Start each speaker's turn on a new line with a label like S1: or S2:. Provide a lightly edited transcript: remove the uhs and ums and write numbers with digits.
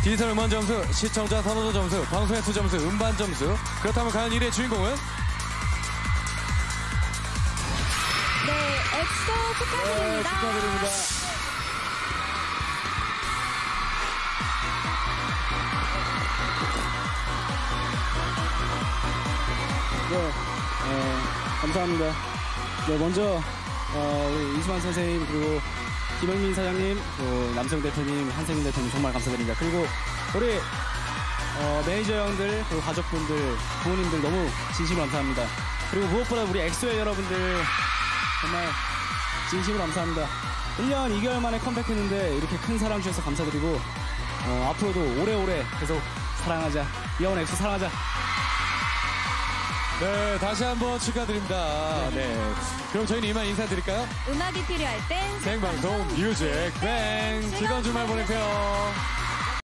S1: 디지털 음원 점수, 시청자 선호도 점수, 방송 횟수 점수, 음반 점수. 그렇다면 과연 1위의 주인공은?
S2: 네, 엑소 축하드립니다.
S1: 네, 축하드립니다.
S3: 감사합니다. 네, 먼저 우리 이수만 선생님, 그리고 김영민 사장님, 또 남성 대표님, 한세민 대표님 정말 감사드립니다. 그리고 우리 매니저 형들, 그리고 가족분들, 부모님들 너무 진심으로 감사합니다. 그리고 무엇보다 우리 엑소의 여러분들 정말 진심으로 감사합니다. 1년 2개월 만에 컴백했는데 이렇게 큰 사랑 주셔서 감사드리고 앞으로도 오래오래 계속 사랑하자. 이영원 엑소 사랑하자.
S1: 네, 다시 한번 축하드립니다. 네. 그럼 저희는 이만 인사드릴까요?
S2: 음악이 필요할 땐
S1: 생방송 뮤직 뱅. 즐거운 주말 보내세요.